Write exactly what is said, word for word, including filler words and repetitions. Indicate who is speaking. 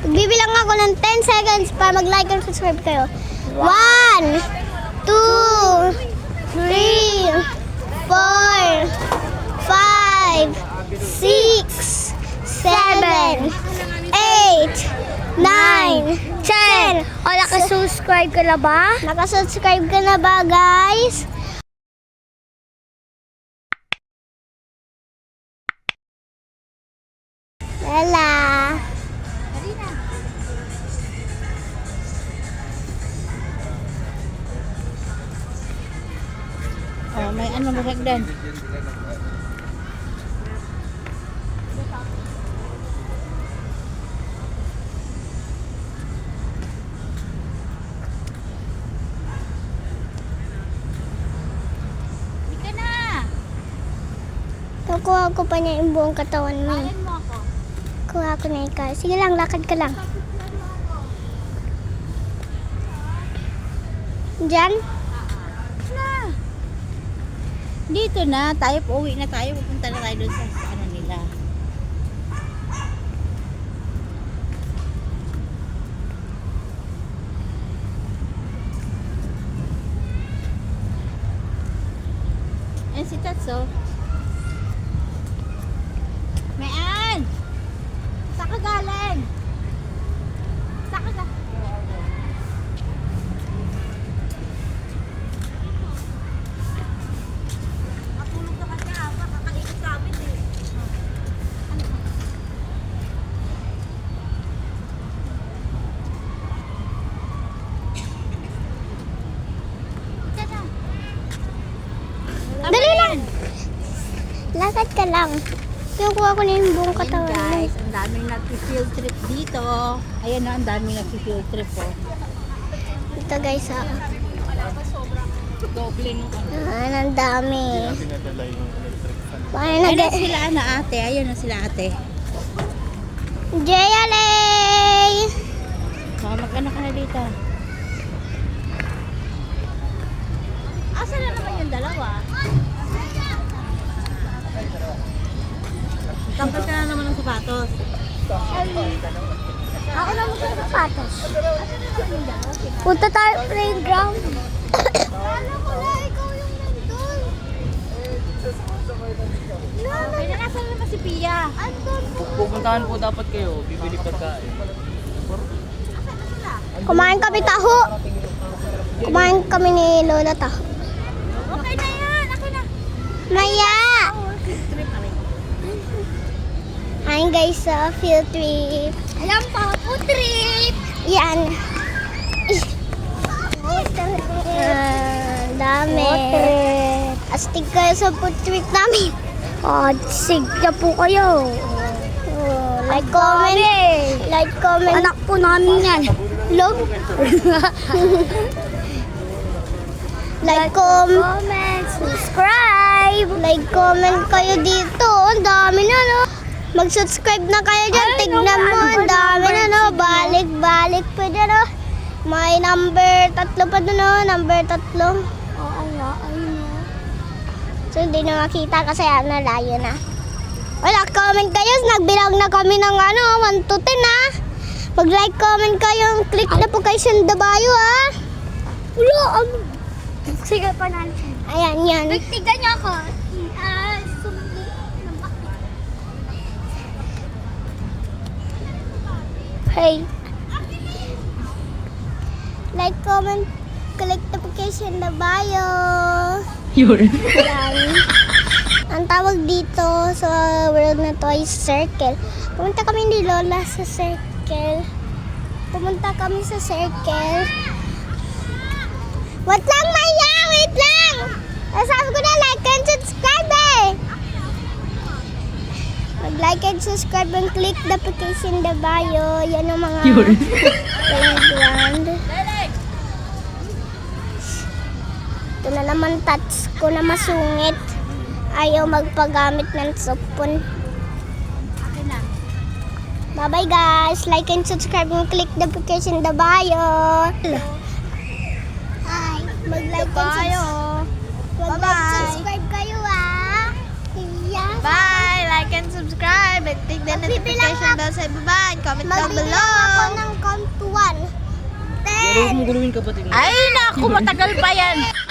Speaker 1: Bibilang ako ng ten seconds para mag-like and subscribe kayo. one, two, three, four, five, six, seven, eight, nine, ten. O, nakasubscribe ka na ba? Nakasubscribe ka na ba, guys? Lala.
Speaker 2: Oh, may ano mahagdan. Ika na.
Speaker 1: Kukuha ko pa niya yung buong katawan mo. eh.
Speaker 2: Ayan mo ako.
Speaker 1: Kuha ko na ikaw. Sige lang, lakad ka lang. Diyan?
Speaker 2: Na. Dito na, tayo uuwi na tayo, pupunta na tayo doon sa, sa ano nila. Ayan si Tatso. Mayan! Saan ka galing? Saan ka galing? Matulog na kasi ako, kakalikot sa amin eh. Ika na.
Speaker 1: Dali lang! Lakad ka lang. Kukuha ko na yung buong
Speaker 2: Ayan
Speaker 1: katawan mo.
Speaker 2: guys, ang daming nag-field trip dito. Ayan na, ang daming nag-field trip oh.
Speaker 1: Ito guys, ah.
Speaker 2: Doble nung ano.
Speaker 1: Ah, ang dami. Paano
Speaker 2: Ayan na
Speaker 1: nag-
Speaker 2: sila na ate, ayan na sila ate.
Speaker 1: Jayalay!
Speaker 2: Baka mag-ano ka na dito. Asa na naman yung dalawa? Tampal ka na naman ng sapatos.
Speaker 1: Ako na mag sapatos. Punta tayo playground. Alam ko na, ikaw yung nandun.
Speaker 2: Okay na, nasa naman si Pia?
Speaker 1: Andun po.
Speaker 3: Pupuntahan po dapat kayo, bibili pagkain.
Speaker 1: Kumain kami taho. Kumain kami ni Lola taho.
Speaker 2: Okay na yan, okay na.
Speaker 1: Maya!
Speaker 2: Trip na rin.
Speaker 1: Hi guys sa field trip. Alam pa, food trip! Yan. Ah, dami. Astig kayo sa food trip namin. Oh, astig na po kayo. Oh, like, comment. Like, comment. Anak po namin yan. Log. Like, comment, subscribe. Like, comment kayo dito. Ang dami na, no? Mag-subscribe na kayo dyan. Tignan mo. Ang dami na, no? Balik-balik pa dyan, no? May number tatlo pa doon, no? Number tatlo. Oo nga, ayun, no? So, hindi na makita kasi ano, layo na. Wala, comment kayo. Nagbilang na kami ng ano, one to ten, ha? Mag-like, comment kayo. Click na po kayo sa dabayo, ha? Wala, ano? Sige pa natin. Ayan, yan. Tignan niyo ako. Ah, sumbi. Hey. Like, comment, click notification na bio.
Speaker 2: Yun.
Speaker 1: Ayan. Ang tawag dito sa world na to ay circle. Pumunta kami ni Lola sa circle. Pumunta kami sa circle. Wait lang, Maya! Wait lang! Sabi ko na like and subscribe eh! Mag-like and subscribe and click the notification the bio. Yan ang mga playground. Ito na naman touch ko na masungit. Ayaw magpagamit ng supon.
Speaker 2: Okay na.
Speaker 1: Bye-bye guys! Like and subscribe and click the notification the bio. Hi! Mag-like and subscribe. Mag-like
Speaker 2: Bye-bye.
Speaker 1: subscribe kayo ah! Yeah.
Speaker 2: Bye! Like and subscribe and click the
Speaker 1: Magbibilang
Speaker 2: notification
Speaker 1: ako.
Speaker 2: bell sa ibaba and comment down
Speaker 1: Magbibilang
Speaker 2: below.
Speaker 1: ako
Speaker 3: Huwag mong guluhin kapatid mo.
Speaker 2: Ay, naku, matagal pa yan.